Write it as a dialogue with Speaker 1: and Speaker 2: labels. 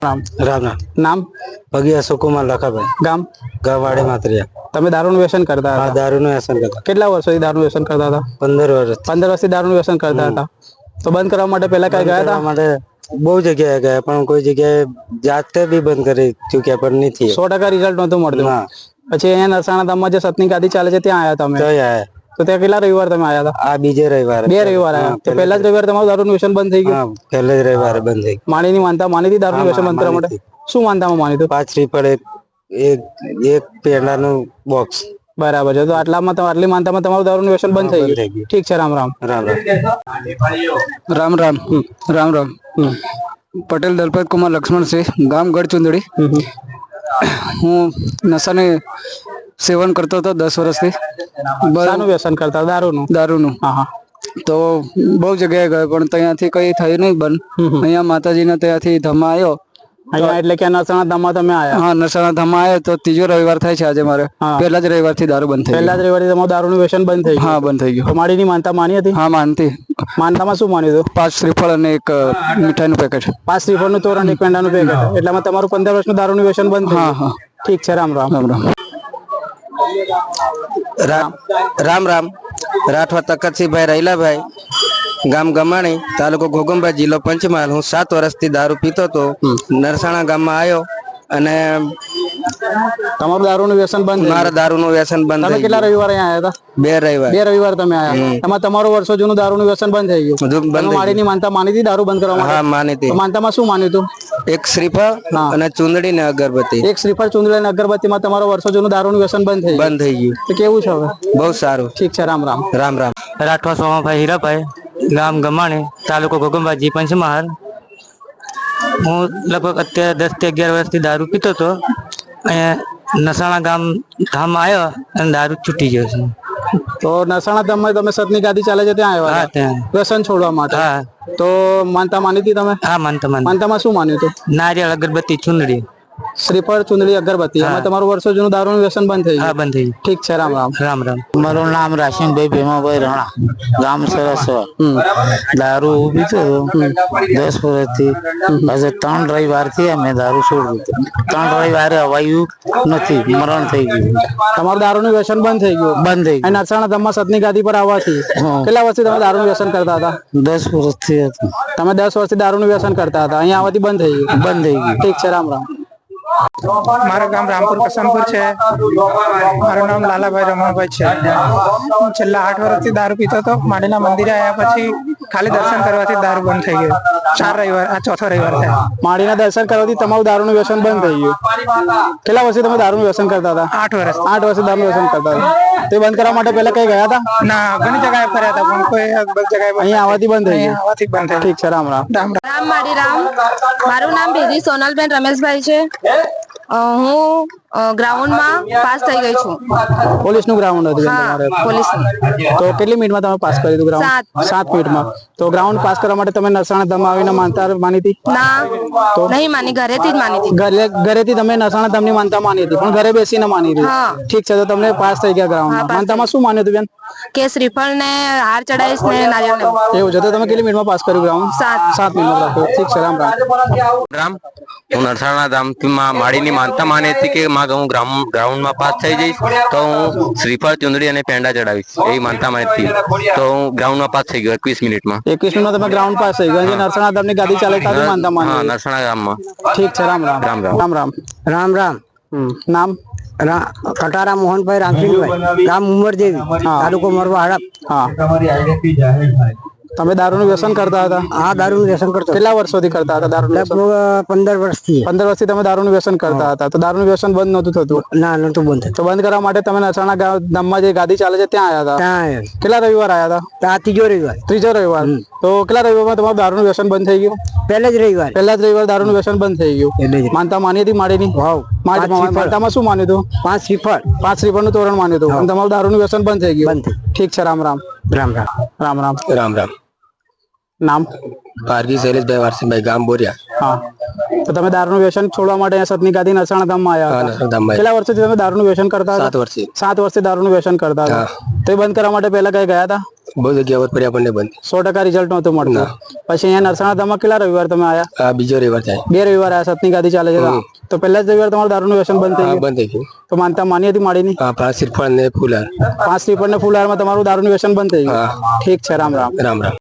Speaker 1: રામ
Speaker 2: રામ રામ.
Speaker 1: નામ
Speaker 2: ભગીયા સુકુમાર લખાભાઈ,
Speaker 1: ગામ
Speaker 2: ગવાડી માતરિયા.
Speaker 1: તમે દારૂનું વ્યસન કરતા
Speaker 2: હા,
Speaker 1: હતા?
Speaker 2: દારૂનું વ્યસન કરતા.
Speaker 1: કેટલા વર્ષોથી દારૂનું વ્યસન કરતા હતા?
Speaker 2: 15 વર્ષ.
Speaker 1: 15 વર્ષથી દારૂનું વ્યસન કરતા હતા. તો બંધ કરવા માટે પહેલા કઈ ગયા હતા?
Speaker 2: માટે બહુ જગ્યાએ ગયા, પણ કોઈ જગ્યાએ જાતે બી બંધ કરી ચૂક્યા, પણ નથી.
Speaker 1: 100% રિઝલ્ટ નહોતું મળતું.
Speaker 2: ના.
Speaker 1: પછી અહીંયા નરસાણા ધામમાં જે સતની ગાદી ચાલે છે ત્યાં આવ્યા તમે?
Speaker 2: તો આયા.
Speaker 1: તો ત્યાં કેટલા રવિવાર તમે આવ્યા હતા?
Speaker 2: આ બીજે રવિવારે.
Speaker 1: 2 રવિવાર આવ્યા. તો પહેલા જ રવિવાર તમારું દારૂનું વ્યસન બંધ થઈ ગયું?
Speaker 2: હા, પહેલા જ રવિવારે બંધ થઈ ગયું.
Speaker 1: માણીની માનતા માની હતી દારૂનું વ્યસન બંધ કરવા માટે? શું માનતામાં માની હતું?
Speaker 2: 5 શ્રીફળ, એક પેંડાનું બોક્સ.
Speaker 1: બરાબર છે. તો આટલી માનતામાં તમારું દારૂનું વ્યસન બંધ થઈ ગયું. ઠીક છે. રામ રામ.
Speaker 2: રામ રામ.
Speaker 3: રામ રામ. રામ રામ. પટેલ દલપત કુમાર લક્ષ્મણસિંહ, ગામ ગઢચુંદડી. હું નશાને સેવન કરતો હતો 10 વર્ષથી.
Speaker 1: શાનું વ્યસન કરતા? દારૂનું.
Speaker 3: હા હા. તો બહુ જગ્યાએ ગયો, પણ ત્યાંથી કઈ થયું નહીં બંધ. અહીંયા માતાજીના ત્યાંથી ધમા આવ્યો.
Speaker 1: અહીંયા એટલે કે નરસાણા ધામમાં તમે આવ્યા?
Speaker 3: હા, નરસાણા ધમા આવ્યો તો 3જો રવિવાર થાય છે આજે મારે. પહેલા જ રવિવારથી દારૂ બંધ થઈ ગયું.
Speaker 1: પહેલા જ રવિવારથી તમારું દારૂનું વ્યસન બંધ થઈ ગયું?
Speaker 3: હા, બંધ થઈ ગયું.
Speaker 1: તો માડીની માનતા માની હતી?
Speaker 3: હા, માનતી.
Speaker 1: માનતામાં શું માન્યું હતું?
Speaker 3: 5 શ્રીફળ અને એક મીઠાઈનું પેકેટ.
Speaker 1: 5 શ્રીફળનું તોરણ, એક પેંડાનું પેકેટ. એટલામાં તમારું 15 વર્ષનું દારૂનું વ્યસન બંધ થઈ
Speaker 3: હા
Speaker 1: ગયું?
Speaker 3: હા.
Speaker 1: ઠીક છે. રામ રામ.
Speaker 3: રામ રામ.
Speaker 2: રામ રામ. રાઠવા તકતસિંહભાઈ રૈલાભાઈ, ગામ ગમાણી, તાલુકો ઘોગંબા, જિલ્લો પંચમહાલ. હું 7 વર્ષથી દારૂ પીતો હતો. નરસાણા ગામમાં આવ્યો અને
Speaker 1: તમારું દારૂનું વ્યસન બંધ?
Speaker 2: મારા દારૂનું વ્યસન બંધ.
Speaker 1: તમે કેટલા રવિવાર અહીંયા આવ્યા હતા?
Speaker 2: 2 રવિવાર.
Speaker 1: 2 રવિવાર તમે આવ્યા. એમાં તમારું વર્ષો જૂનું દારૂનું વ્યસન બંધ થઈ ગયું? તમે માડીની માનતા માની હતી દારૂ બંધ કરવા માટે?
Speaker 2: હા, માની હતી.
Speaker 1: માનતામાં શું માન્યું હતું?
Speaker 2: એક શ્રીફળ અને ચુંદડી ને અગરબત્તી.
Speaker 1: એક શ્રીફળ, ચુંદડી અને અગરબત્તીમાં તમારો વર્ષો જૂનું દારૂનું વ્યસન બંધ થઈ ગયું?
Speaker 2: બંધ થઈ ગયું.
Speaker 1: તો કેવું છે હવે?
Speaker 2: બહુ સારું.
Speaker 1: ઠીક છે. રામ રામ.
Speaker 2: રામ રામ.
Speaker 4: રાઠવા સોમાભાઈ હીરાભાઈ, ગામ ગમાણી, તાલુકો ઘોગંબાજી, પંચમહાલ. હું લગભગ અત્યારે 10 થી 11 વર્ષથી દારૂ પીતો હતો. અહીંયા નસાણા ધામ આવ્યો અને દારૂ છૂટી ગયો છે.
Speaker 1: તો નરસાણા ધામમાં તમે સતની ગાદી ચાલે છે ત્યાં આવ્યા?
Speaker 4: હા, ત્યાં.
Speaker 1: વ્યસન છોડવા માટે?
Speaker 4: હા.
Speaker 1: તો માનતા માની હતી તમે?
Speaker 4: હા, માનતા.
Speaker 1: માનતામાં શું માન્યું હતું?
Speaker 4: નારિયેળ, અગરબત્તી, ચુંદડી.
Speaker 1: શ્રીફળ, ચુંદડી, અગરબત્તી. એમાં તમારું વર્ષો જૂનું દારૂનું વ્યસન બંધ થઈ
Speaker 4: હા,
Speaker 1: ગયું?
Speaker 4: બંધ થઈ ગયું.
Speaker 1: ઠીક છે. રામ રામ.
Speaker 4: રામ રામ.
Speaker 5: મારું નામ રાશનભાઈ ભીમાભાઈ રાણા, ગામ સરસવા. દારૂ પીતો હતો 10 વર્ષથી. આજે 3 રવિવારથી અમે દારૂ છોડી દીધું. 3 રવિવારે અવાયું નથી, મરણ થઈ ગયું.
Speaker 1: તમારું દારૂનું વ્યસન બંધ થઈ ગયું?
Speaker 5: બંધ થઈ
Speaker 1: અને નરસાણા ધામમાં સતની ગાદી પર આવવાથી કેટલા વર્ષથી તમે દારૂનું વ્યસન કરતા હતા?
Speaker 5: 10 વર્ષથી હતું.
Speaker 1: તમે 10 વર્ષથી દારૂનું વ્યસન કરતા હતા, અહીંયા આવવાથી બંધ થઈ ગયું?
Speaker 5: બંધ થઈ ગયું.
Speaker 1: ઠીક છે. રામ રામ.
Speaker 6: મારું ગામ રામપુર કસમપુર છે. મારું નામ લાલાભાઈ રમણભાઈ છે. હું છેલ્લા 8 વર્ષથી દારૂ પીતો હતો. માડીના મંદિરે આવ્યા પછી ખાલી દર્શન કરવાથી દારૂ બંધ થઈ ગયું. 4 રવિવાર, આ 4થો રવિવાર થાય.
Speaker 1: માડીના દર્શન કરવાથી તમારું દારૂનું વ્યસન બંધ થઈ ગયું? કેટલા વર્ષથી તમે દારૂનું વ્યસન કરતા હતા?
Speaker 6: 8 વર્ષ.
Speaker 1: 8 વર્ષથી દારૂનું વ્યસન કરતા હતા. તે બંધ કરવા માટે પહેલા કઈ ગયા હતા?
Speaker 6: ના, ઘણી જગ્યાએ ફર્યા હતા, પણ કોઈ જગ્યાએ
Speaker 1: અહીંયા આવવાથી બંધ થઈ ગયું?
Speaker 6: આવવાથી બંધ થઈ.
Speaker 1: ઠીક છે. રામ રામ.
Speaker 6: રામ રામ.
Speaker 7: રામ મારી રામ. મારું નામ ભેદી સોનલબેન રમેશભાઈ છે. હું ગ્રાઉન્ડમાં પાસ થઈ ગઈ છું.
Speaker 1: પોલીસનું ગ્રાઉન્ડ હતું તમારે?
Speaker 7: પોલીસનું.
Speaker 1: તો કેટલી મિનિટમાં તમે પાસ કરી દીધું ગ્રાઉન્ડ? 7 મિનિટમાં. તો ગ્રાઉન્ડ પાસ કરવા માટે તમે નરસાણા ધામ આવીને માનતા માની હતી?
Speaker 7: ના, નહીં માની, ઘરેથી જ માની હતી.
Speaker 1: ઘરેથી તમે નરસાણા ધામની માનતા માની હતી, પણ ઘરે બેસીને માની હતી?
Speaker 7: હા.
Speaker 1: ઠીક છે. તો તમને પાસ થઈ ગયા ગ્રાઉન્ડમાં. માનતામાં શું માન્યું હતું બેન?
Speaker 7: કે શ્રીફળ ને હાર ચડાવીશ ને નારિયેળ ને.
Speaker 1: એવું છે. તો તમે કેટલી મિનિટમાં પાસ કર્યું ગ્રાઉન્ડ? 7 મિનિટમાં રાખ્યું. ઠીક છે. રામ રામ.
Speaker 8: રામ. હું નરસાણા ધામમાં માડીની માનતા માની હતી કે હું ગ્રાઉન્ડમાં પાસ થઈ જઈશ તો હું શ્રીફળ, ચુંદડી અને પેંડા ચડાવીશ, એવી માનતા માની હતી. તો હું ગ્રાઉન્ડમાં પાસ થઈ ગયો 21 મિનિટમાં.
Speaker 1: 21 મિનિટમાં તમે ગ્રાઉન્ડ પાસ થઈ ગયા? નરસાણા ધામની ગાદી ચાલે તારી માનતા માની?
Speaker 8: હા, નરસાણા ગામમાં.
Speaker 1: ઠીક છે. રામ રામ.
Speaker 8: રામ રામ.
Speaker 1: રામ રામ.
Speaker 2: રામ રામ.
Speaker 1: નામ?
Speaker 2: કટારા મોહનભાઈ રામસિંહભાઈ, ગામ ઉમરદેવી, તાલુકો મોરવા, હડપ.
Speaker 1: હા. તમે દારૂનું વ્યસન કરતા હતા?
Speaker 2: આ દારૂનું વ્યસન કરતો.
Speaker 1: કેટલા વર્ષોથી કરતા હતા દારૂનું વ્યસન?
Speaker 2: 15 વર્ષથી.
Speaker 1: 15 વર્ષથી તમે દારૂનું વ્યસન કરતા હતા. તો દારૂનું વ્યસન બંધ નહોતું થતું?
Speaker 2: ના, નતું બંધ.
Speaker 1: તો બંધ કરવા માટે તમે નરસાણા ધામમાં જે ગાદી ચાલે છે ત્યાં આવ્યા હતા?
Speaker 2: ત્યાં
Speaker 1: કેટલા રવિવાર આવ્યા હતા?
Speaker 2: આ 3જો રવિવાર.
Speaker 1: 3જો રવિવાર. તો કેટલા રવિવારમાં તમારું દારૂનું વ્યસન બંધ થઈ ગયું?
Speaker 2: પહેલા જ રવિવાર.
Speaker 1: પહેલા જ રવિવાર દારૂનું વ્યસન બંધ થઈ ગયું? માનતા માની હતી માડીની? માનતામાં શું માન્યું હતું?
Speaker 2: 5 શ્રીફળ.
Speaker 1: 5 શ્રીફળનું તોરણ માન્યું હતું અને તમારું દારૂનું વ્યસન બંધ થઈ ગયું? ઠીક છે. રામ રામ.
Speaker 2: રામ રામ.
Speaker 1: રામ રામ.
Speaker 8: રામ રામ.
Speaker 1: નામ?
Speaker 8: પારગી શૈલેષભાઈ વારસીભાઈ, ગામ બોરિયા.
Speaker 1: હા. તો તમે દારૂનું વ્યસન છોડવા માટે અહીંયા સતની ગાદી નરસાણા ધામમાં આવ્યા હતા? કેટલા વર્ષથી તમે દારૂનું વ્યસન કરતા હતા?
Speaker 8: 7 વર્ષથી.
Speaker 1: 7 વર્ષથી દારૂનું વ્યસન કરતા હતા. તો એ બંધ કરવા માટે પહેલા કઈ ગયા હતા?
Speaker 2: બહુ જગ્યા પર ફર્યા પણ નહીં બંધ.
Speaker 1: 100% રિઝલ્ટ નહોતું મળતું. પછી અહીંયા નરસાણા ધામમાં કેટલા રવિવાર તમે આયા?
Speaker 2: આ બીજો રવિવાર થાય.
Speaker 1: 2 રવિવાર આયા, સતની ગાદી ચાલે છે તો પહેલા જ રવિવાર તમારું દારૂનું વ્યસન બંધ થઈ ગયું?
Speaker 2: બંધ થઈ ગયું.
Speaker 1: તો માનતા માની હતી માડીની?
Speaker 2: હા, 5 શ્રીફળ ને ફૂલહાર.
Speaker 1: 5 શ્રીફળ ને ફૂલહારમાં તમારું દારૂનું વ્યસન બંધ થઈ ગયું. ઠીક છે, રામ રામ.
Speaker 2: રામ રામ.